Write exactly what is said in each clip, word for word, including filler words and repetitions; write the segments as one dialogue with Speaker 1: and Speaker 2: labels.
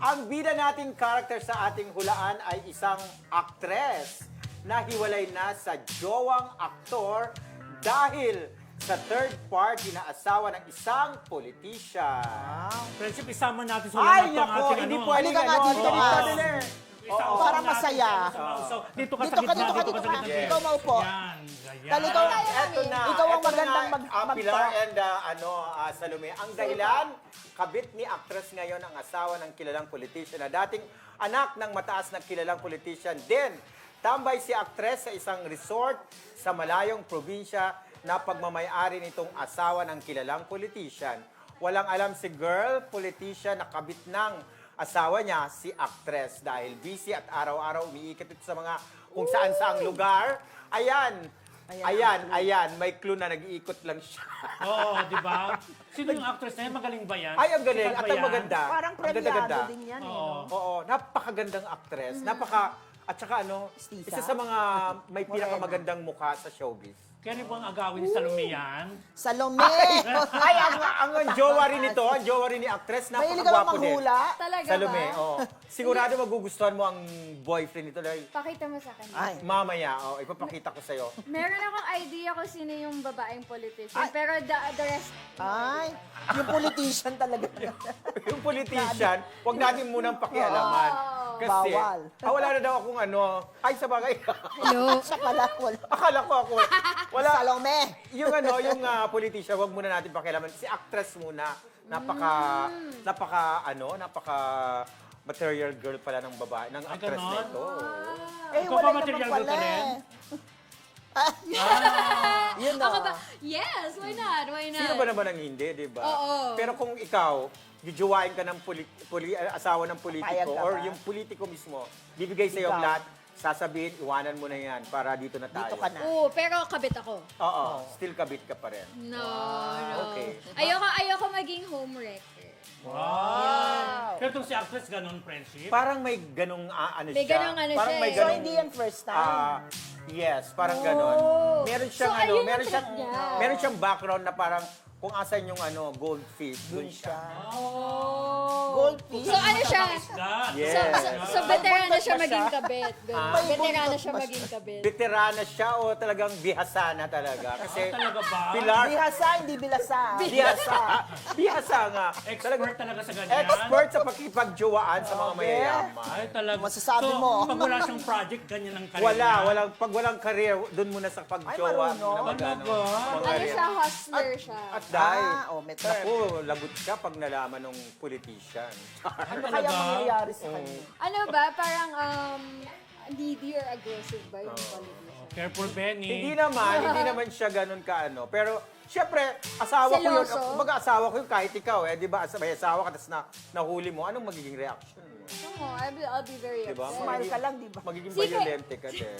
Speaker 1: Ang bida nating character sa ating hulaan ay isang aktres na hiwalay na sa jowang aktor dahil sa third party na asawa ng isang politician.
Speaker 2: Friendship, isama natin sa
Speaker 1: Ay,
Speaker 2: lahat ng
Speaker 1: nako,
Speaker 2: ating
Speaker 1: hindi
Speaker 2: ano.
Speaker 1: po
Speaker 3: Halika nga dito,
Speaker 1: Dito
Speaker 3: ah.
Speaker 1: din eh.
Speaker 2: Isausaw
Speaker 3: Para
Speaker 2: natin,
Speaker 3: masaya.
Speaker 2: isausaw. Dito ka
Speaker 3: Dito
Speaker 2: sa
Speaker 3: ka,
Speaker 2: gitna,
Speaker 3: dito ka,
Speaker 2: dito
Speaker 3: dito
Speaker 2: sa
Speaker 3: ka.
Speaker 2: gitna.
Speaker 3: Ikaw maupo.
Speaker 2: Yan, ganyan.
Speaker 3: Tal, ikaw,
Speaker 1: Eto na.
Speaker 3: Ikaw ang
Speaker 1: eto
Speaker 3: magandang
Speaker 1: na,
Speaker 3: mag-
Speaker 1: ah,
Speaker 3: mag-
Speaker 1: Pilar and ah, ano, ah, Salome. Ang dahilan, kabit ni actress ngayon ang asawa ng kilalang politician na dating anak ng mataas na kilalang politician. Then, tambay si actress sa isang resort sa malayong probinsya na pagmamayari nitong asawa ng kilalang politician. Walang alam si girl politician na kabit ng asawa niya, si actress. Dahil busy at araw-araw umiikot ito sa mga kung saan-saang lugar. Ayan, ayan, ayan, may clue na nag-iikot lang siya.
Speaker 2: Oo, di ba? Sino yung actress na yan? Magaling ba yan?
Speaker 1: Ay, ang galing.
Speaker 2: Sikat
Speaker 1: At
Speaker 2: ba
Speaker 1: ang
Speaker 2: yan?
Speaker 1: maganda.
Speaker 3: Parang
Speaker 1: Ang ganda-ganda.
Speaker 3: premiado din yan. Eh,
Speaker 2: Oo.
Speaker 3: no?
Speaker 1: Oo, napakagandang actress. Napaka, at saka ano,
Speaker 3: Mestiza.
Speaker 1: isa sa mga may pinakamagandang mukha sa showbiz.
Speaker 2: Kaya rin po ang agawin ni Salome yan?
Speaker 3: Salome!
Speaker 1: Ay, ang, ang, ang jowa rin ito, ang jowa rin ni actress,
Speaker 3: Mahilig ka ba
Speaker 1: napakagwapo din.
Speaker 3: manghula?
Speaker 4: Talaga
Speaker 1: Salome,
Speaker 4: ba?
Speaker 1: oo. Sigurado magugustuhan mo ang boyfriend nito dahil
Speaker 4: Pakita mo sa kanya.
Speaker 3: Ay.
Speaker 1: mamaya, oh, ipapakita ko sa'yo.
Speaker 4: Meron akong idea kung sino yung babaeng politician. Pero the, the rest,
Speaker 3: Ay, yung politician talaga.
Speaker 1: Yung politician, wag natin munang pakialaman. Kasi,
Speaker 3: Bawal.
Speaker 1: ah, wala na daw akong ano, ay sa bagay.
Speaker 4: hello.
Speaker 3: Siya pala, wala.
Speaker 1: Akala ko ako, wala.
Speaker 3: Salome!
Speaker 1: Yung ano, yung uh, politician, wag muna natin pakialaman. Si actress muna, napaka, napaka, ano, napaka material girl pala ng babae, ng
Speaker 2: Ay,
Speaker 1: actress na
Speaker 2: ganon?
Speaker 1: ito.
Speaker 3: Eh,
Speaker 2: Ikaw
Speaker 3: wala
Speaker 2: ba
Speaker 3: naman
Speaker 2: material
Speaker 3: pala
Speaker 2: girl ka rin?
Speaker 3: eh. Yun
Speaker 4: Ako
Speaker 3: o.
Speaker 4: ba? Yes, why not? Why not?
Speaker 1: Sino ba naman ang hindi, di ba?
Speaker 4: Oo.
Speaker 1: Pero kung ikaw, jujuwain ka ng poli, poli- uh, asawa ng
Speaker 3: Papayag
Speaker 1: politiko
Speaker 3: ka
Speaker 1: or
Speaker 3: ba?
Speaker 1: yung politiko mismo, bibigay sa iyo ang
Speaker 3: Ikaw.
Speaker 1: lahat, sasabihin, iwanan mo na yan para dito na tayo.
Speaker 3: Dito ka na.
Speaker 4: Oo, pero kabit ako.
Speaker 1: Oo, still kabit ka pa rin.
Speaker 4: No, no.
Speaker 1: Okay.
Speaker 4: Ayoko, ayoko maging homewrecker.
Speaker 2: Wow! Pero itong si actress, ganun, friendship?
Speaker 1: Parang may ganong ah, ano
Speaker 4: May
Speaker 1: siya.
Speaker 4: ganong ano
Speaker 1: parang
Speaker 4: siya
Speaker 1: may
Speaker 4: eh.
Speaker 3: So,
Speaker 1: ganong,
Speaker 3: hindi yan first time?
Speaker 1: ah, yes, parang ganon.
Speaker 4: Oh.
Speaker 1: Meron siyang
Speaker 4: So,
Speaker 1: ano,
Speaker 4: ayun ang
Speaker 1: meron siyang
Speaker 4: trip niya.
Speaker 1: meron siyang background na parang kung asan yung ano, goldfish, dun
Speaker 3: Dun
Speaker 1: siya.
Speaker 3: siya.
Speaker 4: Oh.
Speaker 3: Goldfish.
Speaker 4: So, ano siya?
Speaker 2: Isda.
Speaker 1: Yes.
Speaker 4: So, so, so veterana siya
Speaker 3: May buntot pa
Speaker 4: maging
Speaker 3: siya?
Speaker 4: kabit. Ganun.
Speaker 1: Ah.
Speaker 3: May
Speaker 4: Veterana
Speaker 3: buntot
Speaker 4: siya
Speaker 3: pa
Speaker 4: maging kabit.
Speaker 1: Veterana siya o talagang bihasa na talaga? Kasi
Speaker 2: Ah, talaga ba?
Speaker 1: Pilar,
Speaker 3: Bihasa, hindi bilasa.
Speaker 1: bihasa. Bihasa nga.
Speaker 2: Expert talaga sa ganyan?
Speaker 1: Expert sa pakipagjowaan sa mga mayayaman.
Speaker 2: Ay, talaga.
Speaker 3: Masasabi
Speaker 2: so,
Speaker 3: mo.
Speaker 2: pag wala siyang project, ganyan ang career
Speaker 1: Wala,
Speaker 2: niya?
Speaker 1: walang, pag walang career, doon muna sa pagjowa.
Speaker 3: Ay, marunong.
Speaker 1: na mag-ano,
Speaker 2: Talaga?
Speaker 1: mga
Speaker 4: Ano
Speaker 1: career.
Speaker 4: siya? Hustler siya.
Speaker 1: At dahil,
Speaker 3: Ah, oh, may term.
Speaker 1: naku, lagot ka pag nalaman ng politician.
Speaker 2: Ay,
Speaker 3: Ano
Speaker 2: talaga?
Speaker 3: kaya mangyayari sa kanya?
Speaker 4: Ano ba? Parang um, needy or aggressive ba yung politician?
Speaker 2: Careful, Benny.
Speaker 1: Hindi naman, hindi naman siya ganun kaano. Pero, syempre, asawa ko yun.
Speaker 4: Seloso?
Speaker 1: Kumbaga, asawa ko yun kahit ikaw, eh. Di ba, as- may asawa ka, tapos na, nahuli mo, anong magiging reaction mo?
Speaker 4: Oo, I'll be, I'll be very
Speaker 1: Diba?
Speaker 4: upset.
Speaker 3: Smile ka lang, di ba?
Speaker 1: Magiging
Speaker 4: Sige.
Speaker 1: violente ka din.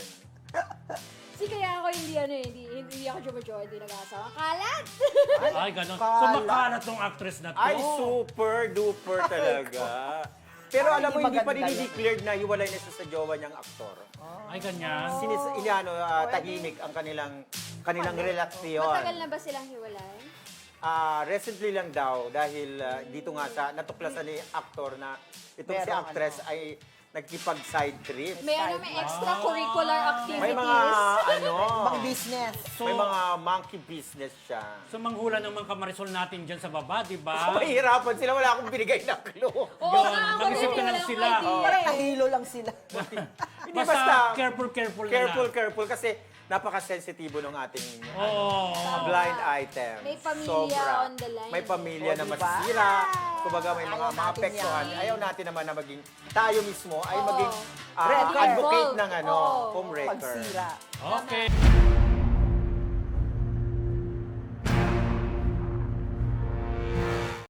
Speaker 4: Kasi kaya ako hindi ano eh, hindi, hindi ako jowa-jowa, hindi nag-aasawa. Kalat!
Speaker 2: Ay, ganun. So,
Speaker 3: Kala.
Speaker 2: makalat tong actress na to.
Speaker 1: Ay, super duper talaga. Pero
Speaker 3: Ay,
Speaker 1: alam mo,
Speaker 3: hindi
Speaker 1: hindi pa rin
Speaker 3: maganda yan.
Speaker 1: declared na hiwalay na siya sa jowa niyang aktor.
Speaker 2: Ay, ganyan.
Speaker 1: Sinis, iniano, ah, tahimik ang kanilang kanilang relasyon.
Speaker 4: Matagal na ba silang hiwalay?
Speaker 1: Ah, recently lang daw dahil ah, dito nga sa natuklasan ni aktor na itong si
Speaker 3: Merong
Speaker 1: actress ay nagkipag-side trip.
Speaker 4: May ano, may extracurricular activities.
Speaker 1: May mga ano,
Speaker 3: Pang business.
Speaker 2: So,
Speaker 1: may mga monkey business siya.
Speaker 2: so manghula naman kamarisol natin dyan sa baba, di ba?
Speaker 1: Mahirapan sila, wala akong binigay na clue.
Speaker 4: Oo,
Speaker 2: Yun,
Speaker 4: nga, ako
Speaker 2: mag-isip
Speaker 4: din,
Speaker 2: ka lang
Speaker 4: walang
Speaker 2: sila.
Speaker 4: idea
Speaker 3: Parang
Speaker 4: eh.
Speaker 3: kahilo lang sila.
Speaker 1: Hindi
Speaker 2: Basta,
Speaker 1: basta,
Speaker 2: careful, careful na
Speaker 1: careful,
Speaker 2: lang.
Speaker 1: careful kasi napaka-sensitibo ng ating
Speaker 2: Oo.
Speaker 1: blind item.
Speaker 4: May pamilya
Speaker 1: Sobra.
Speaker 4: on the line.
Speaker 1: May pamilya
Speaker 3: O,
Speaker 1: na
Speaker 3: diba?
Speaker 1: masisira. Kumbaga may mga
Speaker 3: Ayaw natin
Speaker 1: maapektuhan.
Speaker 3: yan.
Speaker 1: Ayaw natin naman na maging, tayo mismo ay
Speaker 4: Oo.
Speaker 1: maging ah,
Speaker 3: Red flag.
Speaker 1: advocate ng ano,
Speaker 4: Oo.
Speaker 1: homewrecker.
Speaker 3: Pagsira.
Speaker 2: Okay.